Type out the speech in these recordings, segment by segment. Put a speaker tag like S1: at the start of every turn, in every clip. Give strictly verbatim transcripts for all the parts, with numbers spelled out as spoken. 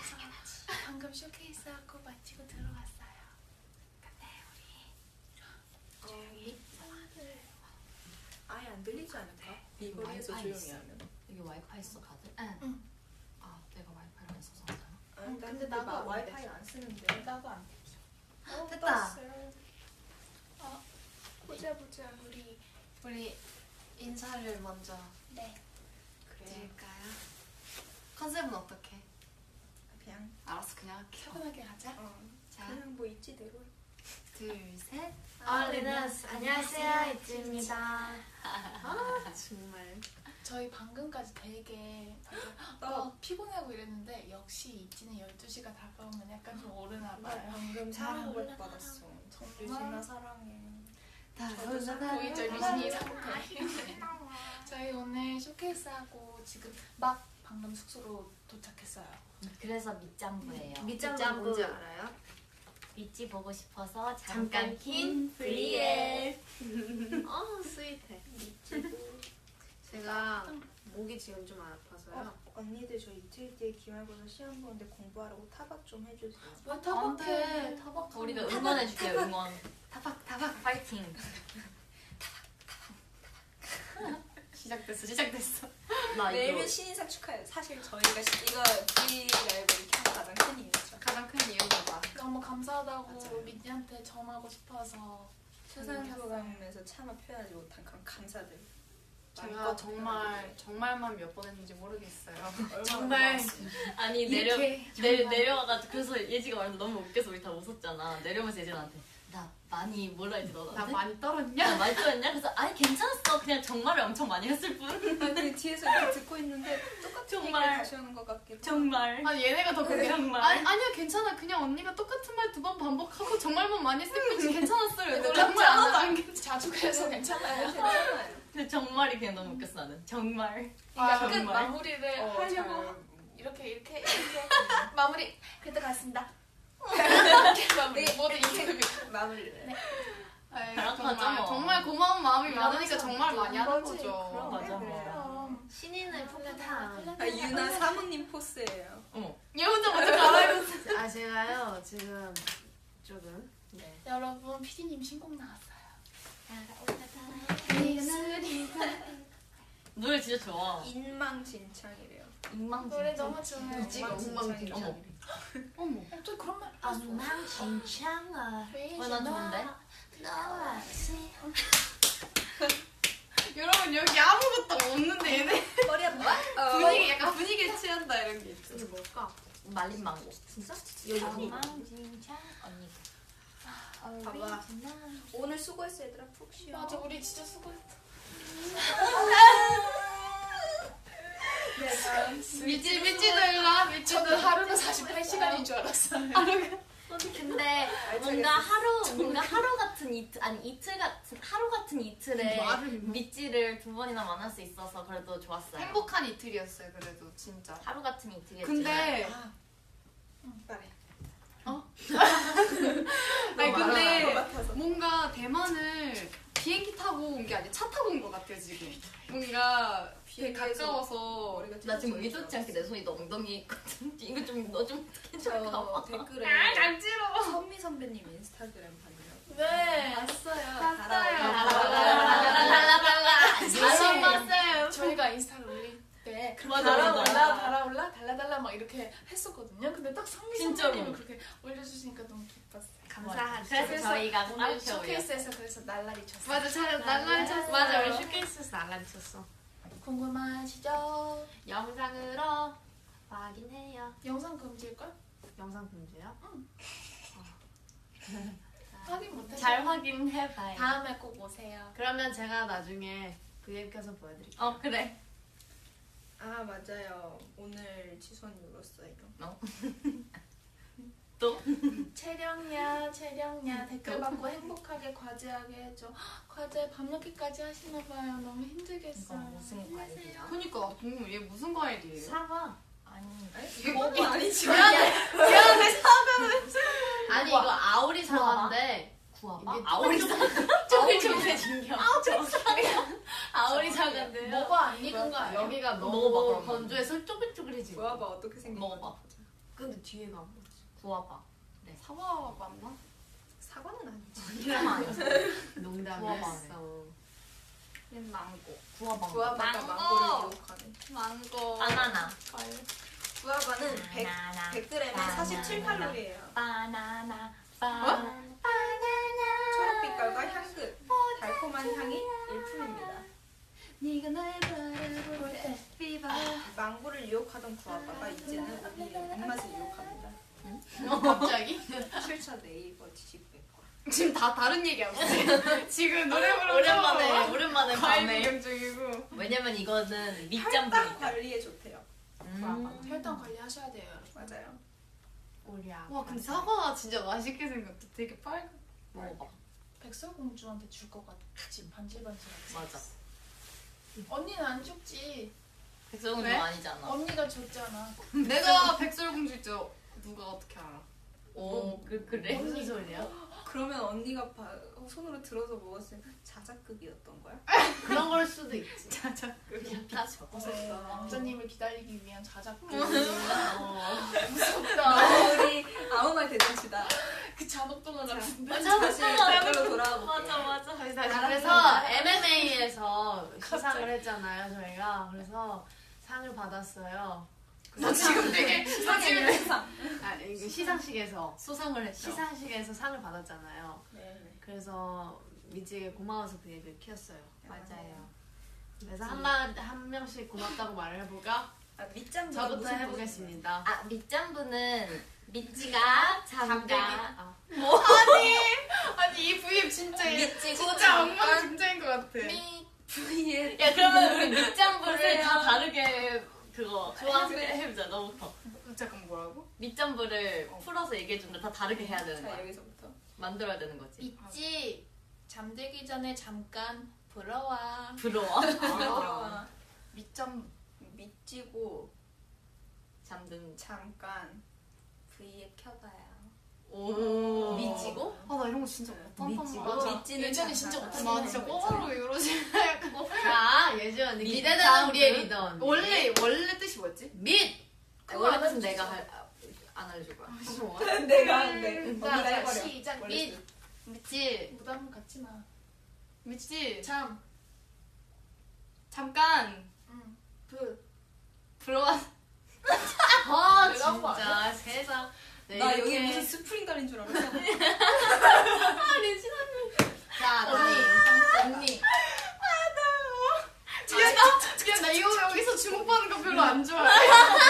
S1: 당연하지. 방금 쇼케이스하고 마치고 들어갔어요. 근데 우리 조용히 상황을
S2: 아예 안 들리지 않을까?
S3: 네.
S2: 이 거리에서
S3: 와이파이
S2: 조용히
S3: 있어.
S2: 하면.
S3: 여기 와이파이 있어 다들?
S1: 응.
S2: 응.
S3: 아 내가 와이파이를 안 써서 하잖아.
S2: 아니,
S1: 응,
S2: 나
S1: 근데
S2: 근데
S1: 나도
S2: 나
S1: 안
S2: 와이파이
S1: 돼.
S2: 안 쓰는데.
S1: 나도 안 들려.
S2: 어,
S3: 됐다.
S2: 떴어요.
S1: 어, 보자 보자 우리
S3: 우리 인사를 먼저
S1: 네.
S2: 그래.
S3: 드릴까요? 컨셉은 어떻게?
S2: 그냥
S3: 알았어 그냥 할게.
S1: 차분하게 가자.
S2: 어,
S3: 자
S2: 그냥 뭐 있지대로.
S3: 둘 셋.
S1: 얼리너스
S3: 안녕하세요,
S1: 이츠입니다.
S2: 아 정말.
S1: 저희 방금까지 되게 다들 어, 피곤하고 이랬는데 역시 이치는 열두 시가 다가오면 약간 좀 오르나
S2: 나
S1: 봐요.
S2: 방금 사랑 고백 받았어.
S1: 정말?
S2: 유진아 사랑해.
S1: 저도 사- 보이죠 유진이 상태. 저희 오늘 쇼케이스하고 지금 막 방금 숙소로 도착했어요.
S3: 그래서 밑장부예요.
S2: 밑장은 뭔지 알아요?
S3: 밑지 보고 싶어서
S2: 잠깐
S3: 잠깐 킨 브리엘.
S4: 어 스윗해. 제가 목이 지금 좀 아파서요.
S2: 어, 언니들 저 이틀 뒤에 기말고사 시험 보는데 공부하라고 타박 좀 해주세요.
S1: 왜 타박해? 타박
S3: 우리가 응원해줄게요. 응원. 타박 타박 파이팅. 시작됐어 시작됐어. 나
S2: 매일면
S3: 이거
S2: 신인상 축하해요. 사실 저희가 시- 이거 브이라이브를 켠 가장 큰 이유죠.
S4: 가장 큰 이유가 봐.
S1: 너무 감사하다고
S2: 맞아요.
S1: 민지한테 전하고 싶어서
S2: 수상
S1: 켰어요.
S2: 소감에서 차마 표현하지 못한 그런 감사들.
S4: 제가
S2: 마음껏
S4: 정말 정말만 몇 번 했는지 모르겠어요.
S2: 얼마나
S4: 정말
S2: 고마웠어요.
S3: 아니 내려
S4: 이렇게
S3: 내,
S4: 정말.
S3: 내려와가지고 그래서 예지가 말해서 너무 웃겨서 우리 다 웃었잖아. 내려오면서 예지한테 나 많이 뭐라 했지 너
S4: 나
S3: 나한테?
S4: 많이 떨었냐?
S3: 나 많이 들었냐? 그래서 아니 괜찮았어. 그냥 정말을 엄청 많이 했을 뿐.
S2: 아니 뒤에서 이렇게 듣고 있는데 똑같은
S3: 정말.
S2: 얘기를 다시 하는 것 같기도.
S3: 정말.
S4: 아니 얘네가 더 그게
S3: 정말.
S4: 아니 아니야 괜찮아. 그냥 언니가 똑같은 말 두 번 반복하고 정말만 많이 했을 뿐이지 괜찮았어요.
S2: 근데
S4: 놀랍지
S2: 정말
S4: 않아.
S2: 하나도
S4: 안 괜찮아.
S1: 자주 그래서 괜찮아요.
S2: 괜찮아요.
S3: 근데 정말이 그냥 너무 웃겼어 나는. 정말.
S1: 그러니까
S3: 아,
S1: 끝
S3: 정말.
S1: 마무리를
S2: 어,
S1: 하려고
S2: 잘.
S1: 이렇게 이렇게 이렇게 마무리 그때 갔습니다. 이렇게 마무리
S2: 네.
S1: 모두 인터뷰.
S2: 마무리를.
S1: 네.
S4: 아이,
S3: 그렇죠,
S4: 정말
S3: 뭐.
S4: 정말 고마운 마음이
S1: 맞아.
S4: 많으니까 정말 많이 하는
S2: 거지.
S4: 거죠.
S2: 그럼.
S3: 맞아.
S1: 그럼
S3: 신인을
S1: 풋풋한.
S2: 아, 유나 사모님 포스예요.
S3: 어머.
S4: 얘 혼자 먼저 갈아입었어.
S5: 아 제가요 지금 조금
S3: 네.
S1: 여러분 피디님 신곡 나왔어요.
S3: 노래 진짜 좋아.
S2: 인망진창이래요.
S3: 잉망
S1: 노래 너무 좋아요.
S2: 이지가
S5: 엉망진창.
S3: 어머.
S4: 어머.
S1: 어, 저 그런 말 했어.
S5: 엉망진창아
S3: 어, 난 좋은데?
S5: 너와
S4: 여러분 여기 아무것도 없는데 얘네
S2: 머리 아파. 어.
S4: 분위기 약간 분위기에 취한다 이런 게 있죠.
S5: 이게 뭘까?
S3: 말린 망고.
S5: 진짜?
S3: 여기
S5: 엉망진창
S3: 언니.
S2: 봐봐. 오늘 수고했어 얘들아 푹 쉬어.
S1: 맞아 우리 진짜 수고했어.
S2: 네 다음.
S4: 미치 미치도 일라 미치도
S1: 저는 하루는 사십팔 시간인 줄 알았어요.
S3: 근데 뭔가 하루 뭔가 하루 같은 이틀 아니 이틀 같은 하루 같은 이틀에
S4: 말을 뭐.
S3: 밑지를 두 번이나 만날 수 있어서 그래도 좋았어요.
S4: 행복한 이틀이었어요 그래도 진짜.
S3: 하루 같은 이틀이었지만
S4: 근데
S2: 아. 말해.
S4: 아니
S2: 것
S4: 근데
S2: 같아서.
S4: 뭔가 대만을 비행기 타고 온 게 아니라 차 타고 온 것 같아요 지금. 뭔가 되게
S2: 비행기에서
S4: 가까워서.
S2: 머리가
S3: 나 지금
S2: 찢어질
S3: 의도치 않게 내 손이 너 엉덩이에 있거든. 이거 좀 너 좀
S2: 저
S3: 해줘.
S2: 댓글에
S4: 아 간지러워.
S2: 선미 선배님 인스타그램 봤냐고.
S1: 네.
S2: 봤어요.
S3: 달라달라.
S1: 사실
S3: 봤어요.
S1: 저희가 인스타를 올릴 때 그렇게
S3: 맞아,
S1: 달아올라
S3: 맞아.
S1: 달아올라 달라달라 막 이렇게 했었거든요. 근데 딱 성미
S3: 진짜로.
S1: 선배님이 그렇게 올려주시니까 너무 기뻤어요.
S5: 감사하죠.
S3: 그래서 저희가
S1: 오늘
S3: 따로 배워요.
S1: 쇼케이스에서 그래서 날라리 쳤어요.
S4: 맞아 잘 날라리 쳤어.
S5: 맞아 우리 쇼케이스에서 난리 쳤어.
S1: 궁금하시죠?
S5: 영상으로 확인해요.
S1: 영상 금지일걸?
S5: 영상 금지요?
S1: 확인 못해.
S3: 잘 확인해봐요.
S1: 다음에 꼭 오세요.
S5: 그러면 제가 나중에 브이앱 켜서 보여드릴게요.
S3: 어 그래.
S2: 아 맞아요. 오늘 지선이 울었어요.
S3: 또?
S1: 채령야 채령야 댓글 받고 행복하게 과제하게 해줘. 헉, 과제 밤늦게까지 하시나봐요. 너무
S3: 이거
S1: 힘들겠어요.
S3: 무슨 과일이야?
S4: 그니까 궁금 얘 무슨 과일이에요?
S5: 사과.
S3: 아니
S2: 이게 뭐가 아니지.
S5: 아니 이거 아오리 사과인데
S3: 구워봐.
S5: 이게
S3: 아오리 사과. 쪼글쪼글해진겨. 아오리 사과인데요.
S1: 뭐가 안 익은 거 아니야?
S5: 여기가
S3: 먹어봐,
S5: 너무
S3: 그러면.
S5: 건조해서 쪼글쪼글해지고.
S2: 좋아봐 어떻게 생긴
S3: 먹어봐.
S5: 근데 뒤에가 안 맞지.
S3: 구워봐.
S4: 사과 맞나?
S2: 사과는 아니지.
S3: 이름 아니었어.
S5: 농담했어.
S4: 얘는 망고.
S3: 구워봐.
S2: 구아바가
S3: 망고.
S2: 망고를 유혹하는.
S4: 망고.
S3: 바나나.
S2: 구아바는 백,
S3: 바나나.
S2: 백 그램에
S3: 바나나.
S2: 사십칠 칼로리예요.
S3: 바나나. 바나나.
S2: 초록빛깔과 향긋, 달콤한 향이 일품입니다.
S3: 네가 날 바라볼 때 비바.
S2: 망고를 유혹하던 구아바가 이제는 우리의 입맛을 유혹합니다.
S5: 갑자기?
S2: 칠 차 네이버 지식백과.
S4: 지금 다 다른 얘기하고 있어요. 지금 노래 부르고
S3: 오랜만에 오랜만에
S4: 과일
S3: 밤에.
S4: 구경 중이고.
S3: 왜냐면 이거는
S2: 혈당
S3: 밑잠이니까.
S2: 관리에 좋대요.
S3: 음.
S1: 혈당 관리하셔야 돼요.
S2: 맞아요.
S5: 우리 아빠.
S4: 와 근데 사과가 진짜 맛있게 생겼다. 되게 빨간.
S3: 먹어봐.
S1: 백설공주한테 줄 것 같지. 반질반질하지.
S3: 맞아.
S1: 언니는 안 줬지.
S3: 백설공주
S4: 왜?
S3: 아니잖아.
S1: 언니가 줬잖아.
S4: 내가 백설공주 있죠. 누가 어떻게 알아?
S3: 오, 그 그래?
S5: 무슨 소리야?
S2: 그러면 언니가 바, 손으로 들어서 먹었을 때 자작극이었던 거야?
S5: 그런 걸 수도 있지.
S3: 그냥 피쳐.
S1: 네, 왕자님을 기다리기 위한 자작극.
S5: 어.
S1: 무섭다.
S2: 우리 아무 말 대잔치다.
S1: 그 잔혹동화 같은데.
S2: 다시 댓글로 돌아와 볼게요.
S3: 맞아 맞아.
S5: 다시 다시. 그래서 엠엠에이에서 시상을 했잖아요, 저희가. 그래서 상을 받았어요.
S4: 나 지금 되게 나 지금
S2: 세상.
S5: 아, 이거 시상식에서
S3: 수상을 했죠.
S5: 시상식에서 상을 받았잖아요.
S2: 네.
S5: 그래서 미지에게 고마워서 그 얘기를 키웠어요.
S3: 맞아요.
S5: 그래서 한한 한 명씩 고맙다고 말을 해볼까?
S2: 아, 밑장
S5: 저부터 해보겠습니다.
S3: 아 밑장부는 미찌가 잠깐
S5: 아,
S4: 아니 이 브이앱 진짜
S3: 미찌고
S4: 진짜
S3: 잠깐.
S4: 엉망진창인 것 같아.
S1: 미
S2: 브이앱.
S3: 야 그러면 우리 밑장부를
S2: 그래요.
S3: 다 다르게 그거
S1: 좋아.
S3: 해- 해보자. 너부터.
S4: 잠깐 뭐라고?
S3: 밑장부를 풀어서 얘기해주는데 다 다르게 해야 되는
S2: 자
S3: 거야.
S2: 여기서부터.
S3: 만들어야 되는 거지.
S1: 있지. 잠들기 전에 잠깐 불어와.
S3: 부러워.
S2: 들어와.
S4: 밑점
S2: 밑지고
S3: 잠든.
S2: 잠깐 브이앱 켜봐요.
S3: 오.
S5: 미치고?
S4: 아 나 이런 거 진짜 못한단
S5: 미치고?
S4: 말이야.
S2: 밑지는
S1: 예전에 진짜
S2: 잠깐.
S1: 못하긴
S4: 나 진짜
S1: 했어.
S4: 꼬마로 이러지. 약간
S5: 자, 예지 언니.
S3: 밑-
S5: 기대되는
S3: 다음
S5: 우리의
S3: 분.
S5: 리더 언니.
S4: 원래 원래 뜻이 뭐였지?
S5: 밑!
S3: 그거 원래 뜻은 내가 할, 아, 안 알려줄 거야.
S2: 내가 한대.
S1: 자,
S2: 언니가
S1: 자,
S2: 해버려.
S1: 시작.
S2: 원래
S1: 밑.
S2: 뜻.
S4: 미치
S1: 부담 갖지 마.
S4: 미치
S1: 잠.
S4: 잠깐
S1: 응. 부.
S4: 불어와.
S5: 아,
S1: 내가 한거
S5: 진짜 세상. 네,
S2: 나
S5: 이렇게-
S2: 여기 무슨 스프링 달린 줄 알았어.
S5: 자,
S1: 언니.
S5: 다음.
S1: 언니.
S4: 야, 나 이거 여기서 주목받는 거 별로 안 좋아해.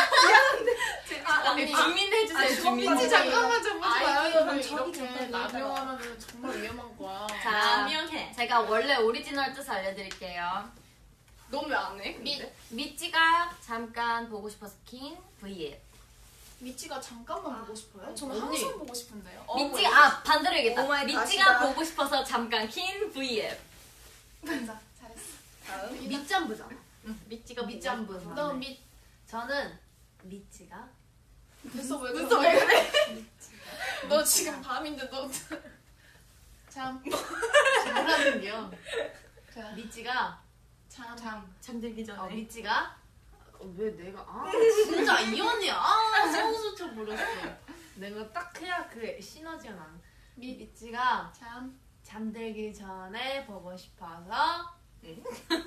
S3: 아,
S4: 언니,
S3: 주민 해주세요.
S2: 아,
S3: 주민.
S4: 미치 잠깐만 좀 보지
S1: 아이디어를
S4: 마요.
S1: 이렇게 남용하면 정말 위험한 거야.
S3: 자,
S5: 남용해.
S3: 제가 원래 오리지널 뜻 알려드릴게요.
S4: 넌 왜 안 해?
S3: 미,
S4: 근데?
S3: 미찌가 잠깐 보고 싶어서 킨 브이앱.
S1: 미치가 잠깐만 보고 싶어요? 저는
S5: 언니.
S1: 항상 보고 싶은데요.
S3: 미찌가 아 반대로 얘기했다.
S2: 오마이
S3: 미찌가
S2: 갓이다.
S3: 보고 싶어서 잠깐 킨 브이앱.
S1: 감사. 잘했어.
S2: 다음.
S5: 밑잠부잖아.
S3: 미찌가
S5: 밑잠부.
S3: 보고
S1: 너 밑.
S5: 저는 미치가
S1: 됐어 왜
S4: 눈썹 왜 그래?
S1: 너 지금 밤인데 너. 잠.
S5: 뭐라는겨.
S1: 자.
S5: 미치가
S1: 잠.
S4: 잠.
S3: 잠들기 전에.
S5: 어, 미치가 어, 왜 내가 아 진짜 이 언니야. 아 소수처 버렸어. 내가 딱 해야 그 시너지가 나.
S1: 밑.
S5: 미치가
S1: 잠.
S5: 잠들기 전에 보고 싶어서
S3: 응?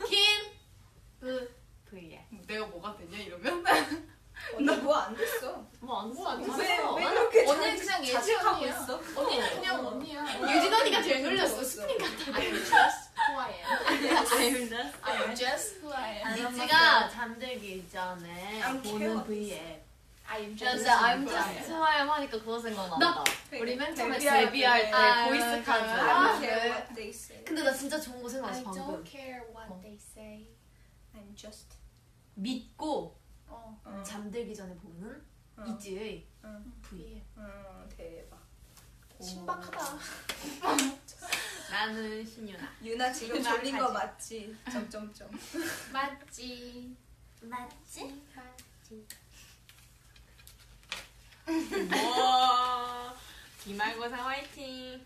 S5: 킨브 브이에
S4: 내가 뭐가 되냐 이러면?
S2: 언니 뭐안 됐어.
S3: 뭐안
S1: 뭐안
S3: 써.
S2: 왜,
S1: 됐어.
S2: 왜 그렇게
S1: 언니
S2: 자-
S1: 그냥 예지
S2: 자책하고
S1: 언니야.
S2: 있어?
S1: 언니 그냥 언니야.
S5: 유진 언니가 제일
S2: 놀렸어.
S5: 놀렸어.
S1: I'm just who I am.
S3: 아닙니다.
S1: I'm just who I am.
S5: 미치가 잠들기 전에
S2: I'm
S5: 보는
S2: care.
S5: 브이에
S1: I'm
S3: 야,
S1: just.
S3: 진짜 I'm
S1: who I am.
S3: just who I am 하니까 그거 생각난다. 우리 맨 처음에
S2: 데뷔할
S3: 데뷔할
S2: 때.
S3: 때
S5: 아,
S3: 보이스 카드.
S5: 맞아요.
S2: I
S5: 아,
S2: don't care
S5: 네.
S2: what they say.
S5: 근데 나 진짜 좋은 거
S1: I
S5: 생각났어 방금.
S1: don't care what
S5: 어.
S1: they say.
S2: I'm just.
S5: 믿고
S1: 어.
S2: 어.
S5: 잠들기 전에 보는
S2: 어.
S5: 이지의
S2: 응.
S5: V.
S2: 응, 대박.
S1: 신박하다.
S5: 나는 신유나.
S2: 유나 지금
S1: 유나
S2: 졸린 거
S1: 가지.
S2: 맞지? 점점점.
S1: 맞지.
S3: 맞지?
S5: 와 기말고사 화이팅.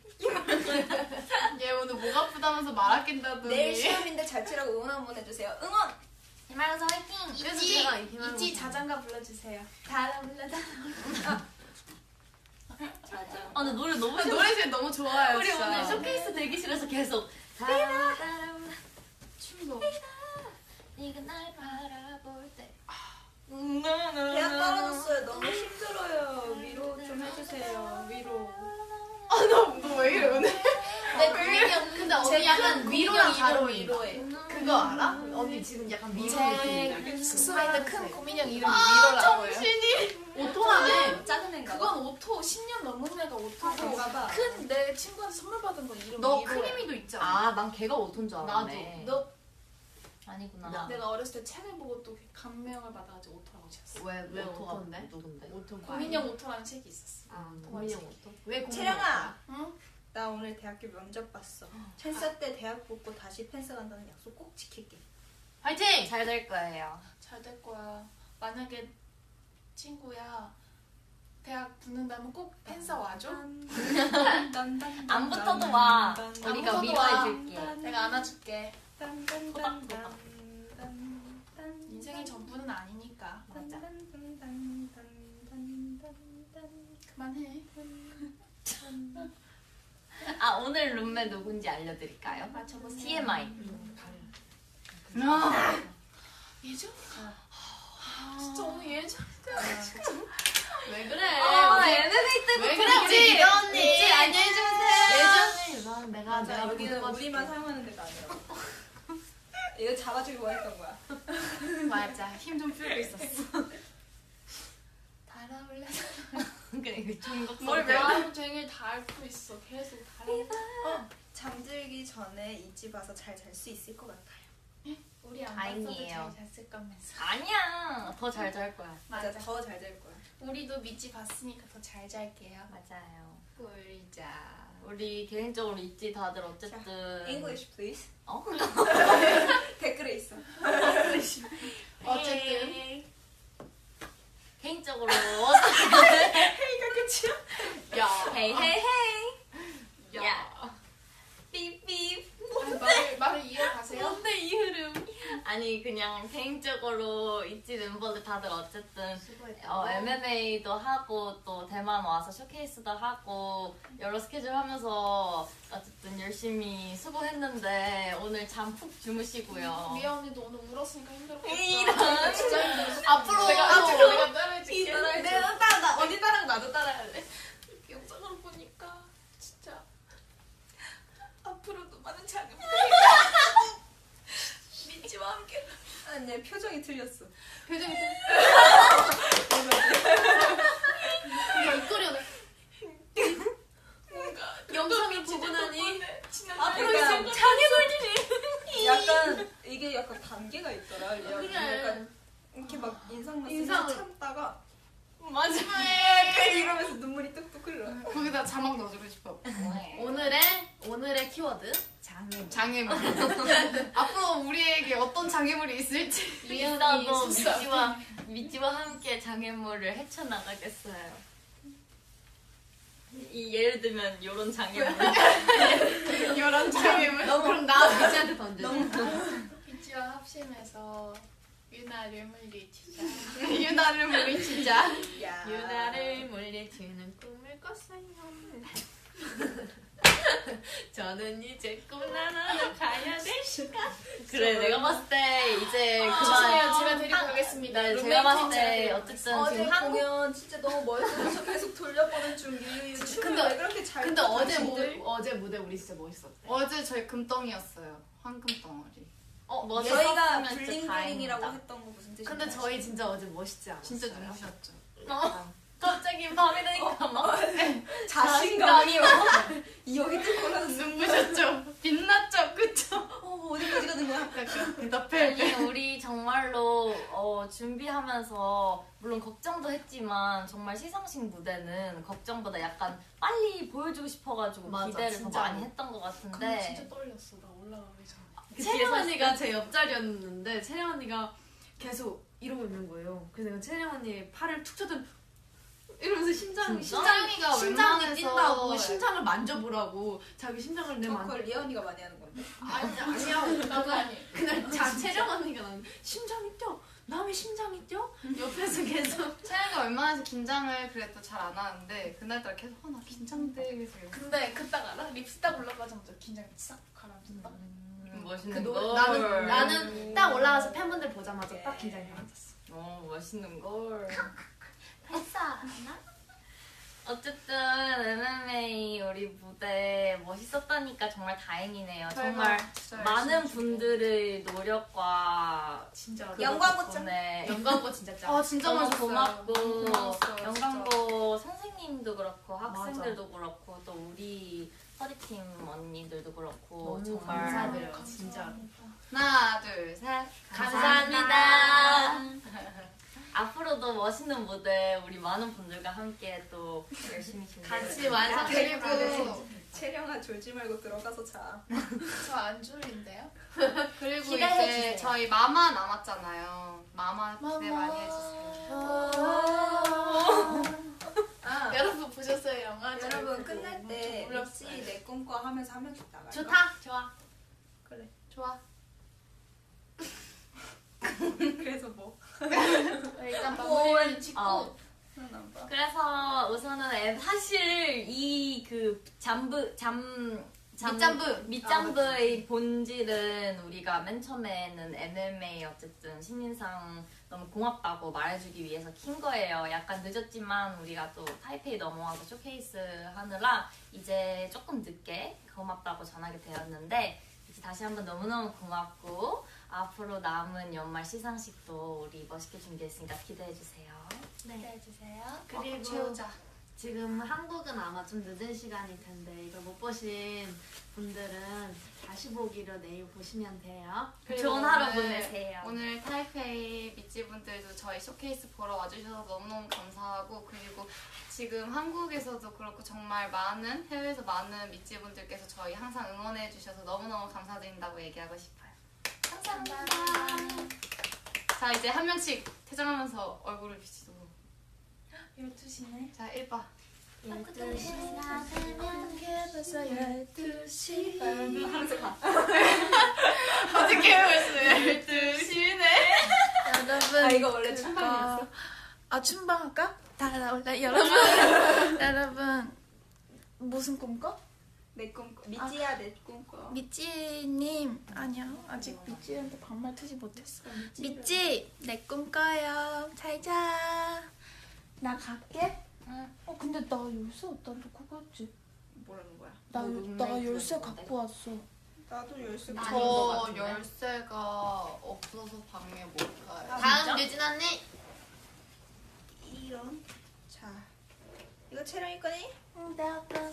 S4: 얘 오늘 목 아프다면서 말 아낀다더니.
S2: 내일 시험인데 잘 치라고 응원 한번 해주세요. 응원!
S3: 희망사 화이팅!
S5: 그래서
S1: 있지,
S5: 제가 이 희망을
S1: 있지
S5: 못
S1: 자장가 불러주세요. 달아올라 달아올라.
S3: 자자. 아 근데 노래 너무
S5: 노래 제일 너무 좋아요.
S3: 우리
S5: 진짜.
S3: 오늘 쇼케이스 대기실에서 계속 따라
S5: 춤도.
S3: 네가 날 바라볼 때
S2: 대학 떨어졌어요. 너무 힘들어요. 위로 좀 해주세요. 위로.
S5: 너 왜 이래 오늘?
S3: 내 고민이 형 근데 언니 약간 위로랑 잘 어울린다.
S2: 위로해.
S5: 그거 알아? 언니 지금 약간 미로 느낌이야.
S1: 제 숙소에 있는 큰 고민형 이름이
S5: 아,
S1: 위로라고 해요.
S5: 정신이. 오토라네.
S2: 작은 애인가 봐.
S1: 그건 오토 십 년 넘은 애가 오토고
S2: 그런가 봐.
S1: 큰 내 친구한테 선물 받은 건 이름
S5: 너
S1: 위로야.
S5: 크리미도 있지 않아?
S3: 아 난 걔가 오토인 줄 알았네.
S1: 너
S3: 아니구나.
S1: 내가 어렸을 때 책을 보고 또 감명을 받아가지고 오토라고 지었어.
S5: 왜, 왜
S3: 오토가
S5: 오토인데?
S3: 누군데?
S5: 오토
S1: 고민형 오토라는 책이 있었어.
S5: 아,
S1: 동화책.
S5: 고민형 오토? 왜 고민형
S2: 채령아.
S1: 응?
S2: 나 오늘 대학교 면접 봤어. 펜사 때 대학 붙고 다시 펜사 간다는 약속 꼭 지킬게.
S5: 화이팅!
S3: 잘 될 거예요.
S1: 잘 될 거야. 만약에 친구야 대학 붙는다면 꼭 펜사 와줘.
S3: 안 붙어도 와.
S1: 붙어도
S3: 우리가
S1: 와.
S3: 위로해줄게.
S1: 내가 안아줄게.
S3: 토닥토닥.
S1: 인생이 전부는 아니니까.
S3: 맞아.
S1: 그만해.
S3: 아 오늘 룸메 누군지 알려드릴까요?
S1: 맞춰보세요.
S3: 티엠아이.
S1: 예전? 아, 진짜 오늘 예전.
S5: 왜 그래?
S3: 아 엠엠에이 때부터
S5: 왜 그래, 우리
S3: 미도
S5: 언니?
S3: 있지? 안녕히 주무세요.
S5: 예전에 내가
S2: 맞아.
S5: 내가
S2: 여기는
S5: 보고
S2: 우리만
S5: 싶게.
S2: 사용하는 데가 아니라고. 이거 잡아주기 원했던 거야.
S5: 맞아. 힘 좀 풀고 있었어.
S1: 달아올라.
S3: 그래 그 중독성.
S1: 뭘 하루 종일 다 앓고 있어. 계속 달아.
S2: 잠들기 전에 이집 와서 잘 잘 수 있을 것 같아요.
S1: 우리 안
S3: 다행이에요.
S1: 봤어도 잘 잤을 거면서.
S3: 아니야. 더 잘 잘 거야.
S2: 맞아,
S1: 맞아.
S2: 더 잘 될 거야.
S1: 우리도 믿지 봤으니까 더 잘 잘게요.
S3: 맞아요.
S5: 꿀자.
S3: 우리 개인적으로 있지 다들 어쨌든.
S2: English please.
S3: 어?
S2: 댓글에 있어.
S1: 어쨌든
S3: 개인적으로
S2: 이거 끝이야?
S5: 야.
S3: 헤이 헤이 헤이.
S5: 야.
S3: 삐삐.
S1: 말을 말을 이어가세요.
S3: 뭔데 이 흐름? 아니 그냥 개인적으로 있지 멤버들 다들 어쨌든 어, 엠엠에이도 하고 또 대만 와서 쇼케이스도 하고 여러 스케줄 하면서 어쨌든 열심히 수고했는데 오늘 잠 푹 주무시고요.
S1: 미아 언니도 오늘 울었으니까 힘들었겠다.
S3: 이런.
S1: 진짜 힘들었어.
S5: 앞으로
S1: 내가
S5: 앞으로
S1: 앞으로 내가 따라해줄게.
S5: 내가 따라 나 언니 따라하고 나도 따라해야 돼.
S1: 영상으로 보니까 진짜 앞으로도 많은 장면 믿지와 함께.
S2: 아니, 내 표정이 틀렸어.
S5: 표정이 이거 입꼬리 오늘
S1: 뭔가
S5: 영상을 보고 나니
S1: 지난
S5: 앞으로
S2: 그러니까
S5: 있을 장애물들이
S2: 약간 이게 약간 단계가 있더라.
S5: 그래.
S2: 약간 이렇게 막 인상 났으면
S5: 인상을-
S2: 참다가
S3: 마지막에
S2: 약간 이러면서 눈물이 뚝뚝 흘러.
S5: 거기다 자막 넣어주고 싶어. 오늘의 오늘의 키워드 장애물. 장애물. 앞으로 우리에게 어떤 장애물이 있을지.
S3: 있어도
S1: 숙소 앞에.
S3: 미지와 미지와 함께 장애물을 헤쳐나가겠어요. 이 예를 들면 요런 장애물.
S5: 이런 장애물. 너 그럼 나 미지한테 던져.
S1: 믿지와 합심해서 유나를 물리치자.
S5: 유나를 물리치자.
S2: 야.
S5: 유나를 물리치는 꿈을 꿨어요. 저는 이제 꿈나라로 가야 될 시간.
S3: 그래 내가 봤을 때 이제 그만.
S1: 죄송해요. 제가 데리고 가겠습니다.
S3: 네,
S1: 룸메이트
S3: 제가 봤을
S1: 제가
S3: 때
S1: 데리고
S3: 어쨌든
S2: 어제
S3: 지금 한국
S2: 공연 진짜 너무 멋있어서 계속 돌려보는 중 유유 춤을
S5: 근데-
S2: 왜 그렇게 잘
S5: 근데
S2: 춰,
S5: 어제
S2: 당신들?
S5: 무, 어제 무대 우리 진짜 멋있었대.
S4: 어제 저희 금덩이였어요. 황금 덩어리.
S3: 어, 뭐
S2: 저희가
S3: 썼으면 진짜
S2: 블링블링이라고
S3: 다행이다.
S2: 했던 거 무슨 뜻인지
S5: 근데
S2: 아시죠?
S5: 저희 진짜 어제 멋있지 않았어요?
S4: 진짜 눈부셨죠.
S3: 어, 갑자기 밤이 되니까 막
S2: 자신감이 여기 뚫고 나서
S4: 눈부셨죠? 빛났죠? 그쵸?
S2: 어 어디까지 가는 거야?
S5: 약간
S4: 대답해.
S3: 아니 우리 정말로 어, 준비하면서 물론 걱정도 했지만 정말 시상식 무대는 걱정보다 약간 빨리 보여주고 싶어가지고
S5: 맞아,
S3: 기대를 더
S5: 진짜로.
S3: 많이 했던 것
S1: 근데
S3: 같은데
S1: 진짜 떨렸어. 나 올라가기 전에.
S3: 그
S5: 채령
S3: 뒤에서
S5: 언니가 제 옆자리였는데 채령 언니가 계속 이러고 있는 거예요. 그래서 내가 채령 언니 팔을 툭 쳐든 이러면서 심장
S3: 진짜?
S5: 심장이
S4: 심장이가
S5: 심장이
S4: 웬만해서-
S5: 뛴다고 심장을 만져보라고 자기 심장을 내
S2: 저
S5: 만.
S2: 그걸 리언이가 많이 하는 건데.
S5: 아니 아니야.
S1: 나도 아니.
S5: 그날 자 채령 언니가 나는 심장이 뛰어. 남의 심장이 뛰어? 옆에서 계속.
S4: 채영이가 웬만해서 긴장을 그래도 잘 안 하는데 그날따라 계속 어, 나 긴장돼. 그래서
S1: 근데 그딱 알아? 립스 딱 올라가자마자 긴장이 싹 가라앉는다.
S3: 음, 멋있는
S5: 그
S3: 걸.
S5: 노, 나는 나는 딱 올라가서 팬분들 보자마자
S2: 예.
S5: 딱 긴장이 가라앉았어.
S3: 어, 멋있는 걸.
S5: 했어.
S3: 어쨌든 엠엠에이 우리 무대 멋있었다니까 정말 다행이네요.
S4: 저희가
S3: 정말
S4: 진짜
S3: 많은
S4: 열심히
S3: 분들의 노력과
S5: 진짜
S2: 영광고 짱.
S3: 덕분에
S5: 영광고 진짜 짱.
S4: 아 진짜
S3: 너무
S4: 멋있었어요.
S3: 고맙고
S4: 고마웠어요,
S3: 영광고 선생님도 그렇고 학생들도 그렇고 또 우리 허리팀 언니들도 그렇고
S5: 너무
S3: 정말
S5: 감사드려요. 진짜.
S4: 하나 둘 셋.
S3: 감사합니다. 앞으로도 멋있는 무대 우리 많은 분들과 함께 또 열심히 준비해
S5: 같이 완성.
S4: 그리고
S2: 채령아 졸지 말고 들어가서 자.
S1: 저 안 졸린데요?
S4: 그리고
S3: 기대해
S4: 이제
S3: 주세요.
S4: 저희 마마 남았잖아요. 마마 기대
S1: 마마.
S4: 많이 해주세요.
S2: 아,
S1: 여러분 보셨어요 영화?
S2: 여러분 끝날 때
S1: 울렸어요.
S2: 미치 내 꿈꿔 하면서 한 명씩 나가요.
S5: 좋다. 좋아.
S2: 그래.
S4: 좋아.
S2: 그래서 뭐?
S1: 일단 마무리를 짓고
S3: 어.
S2: 안 봐.
S3: 그래서 우선은 엠- 사실 이 그 잠브 잠 잠-
S4: 밑잠브.
S3: 밑잠브의 본질은 우리가 맨 처음에는 엠엠에이 어쨌든 신인상 너무 고맙다고 말해주기 위해서 킨 거예요. 약간 늦었지만 우리가 또 타이페이 넘어와서 쇼케이스 하느라 이제 조금 늦게 고맙다고 전하게 되었는데 이제 다시 한번 너무너무 고맙고 앞으로 남은 연말 시상식도 우리 멋있게 준비했으니까 기대해주세요.
S1: 기대해주세요.
S5: 그리고
S1: 채우자.
S5: 지금 한국은 아마 좀 늦은 시간일 텐데 이걸 못 보신 분들은 다시 보기로 내일 보시면 돼요.
S4: 그리고
S3: 좋은 하루
S4: 오늘-
S3: 보내세요.
S4: 오늘 타이페이 미찌분들도 저희 쇼케이스 보러 와주셔서 너무너무 감사하고 그리고 지금 한국에서도 그렇고 정말 많은 해외에서 많은 미찌분들께서 저희 항상 응원해 주셔서 너무너무 감사드린다고 얘기하고 싶어요.
S1: 감사합니다.
S4: 자 이제 한 명씩 퇴장하면서 얼굴을 비치도록.
S1: 열두 시네.
S4: 자 일 바.
S5: 열두 시가
S1: 어떻게 벌써 열두 시 반.
S2: 하면서 가.
S4: 어떻게 벌써 열두 시네?
S1: 여러분.
S2: 아 이거 원래
S1: 그거-
S2: 춘방이었어?
S1: 아 춘방 할까? 다 나올래 여러분. 여러분 무슨 꿈꿔?
S2: 내 꿈꿔. 미지야 내 꿈꿔.
S1: 미찌님 아니야 아직 미찌한테 반말 트지 못했어. 미찌 내 꿈꿔요. 잘자. 나 갈게.
S4: 응.
S1: 어 근데 나 열쇠 어디다 놓고 갔지?
S2: 뭐라는 거야?
S1: 나,
S3: 너
S1: 나
S3: 룸메이트
S1: 열쇠
S3: 있는데?
S1: 갖고 왔어.
S2: 나도 열쇠.
S5: 아닌 것
S4: 저
S5: 같은데?
S4: 열쇠가 없어서 방에 못 가요.
S5: 다음 유진 언니.
S2: 이런. 자 이거 채령이 거니?
S1: 응 내가 가.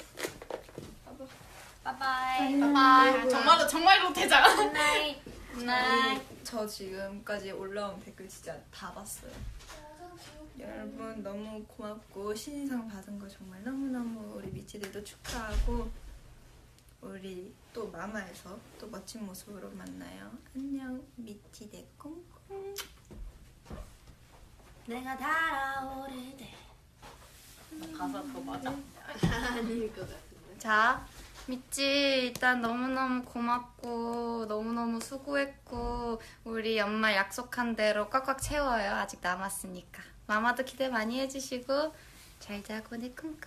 S3: 바이바이.
S4: 아 정말로 정말로 퇴장.
S3: 굿나잇. 굿나잇.
S2: 저 지금까지 올라온 댓글 진짜 다 봤어요. 여러분 너무 고맙고 신인상 받은 거 정말 너무너무 우리 미치들도 축하하고 우리 또 마마에서 또 멋진 모습으로 만나요. 안녕 미치 내 꽁꽁.
S5: 내가 달아오를 때.
S3: 가사 그거 맞아?
S5: 아닐 것 같은데.
S4: 자, 미찌 일단 너무너무 고맙고 너무너무 수고했고 우리 연말 약속한 대로 꽉꽉 채워요. 아직 남았으니까. 마마도 기대 많이 해주시고 잘 자고 내 꿈꿔.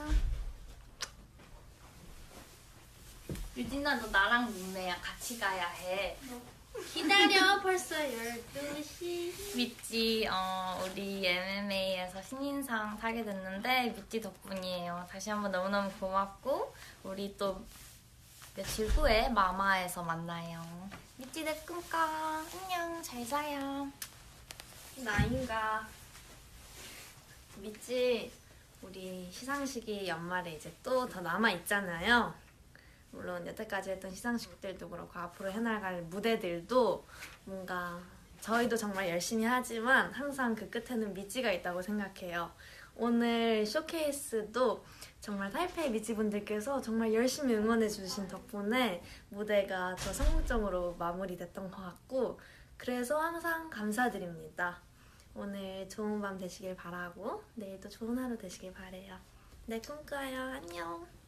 S3: 유진아 너 나랑 룸메야 같이 가야 해.
S5: 기다려 벌써 열두 시.
S3: 미찌 어, 우리 엠엠에이에서 신인상 타게 됐는데 미찌 덕분이에요. 다시 한번 너무너무 고맙고 우리 또 며칠 후에 마마에서 만나요. 미찌 내 꿈꿔. 안녕 잘 자요.
S5: 나인가.
S6: 미찌 우리 시상식이 연말에 이제 또 더 남아 있잖아요. 물론 여태까지 했던 시상식들도 그렇고 앞으로 해나갈 무대들도 뭔가 저희도 정말 열심히 하지만 항상 그 끝에는 미찌가 있다고 생각해요. 오늘 쇼케이스도 정말 타이페이 미찌분들께서 정말 열심히 응원해 주신 덕분에 무대가 더 성공적으로 마무리됐던 것 같고 그래서 항상 감사드립니다. 오늘 좋은 밤 되시길 바라고 내일도 좋은 하루 되시길 바래요. 네, 꿈꿔요. 안녕.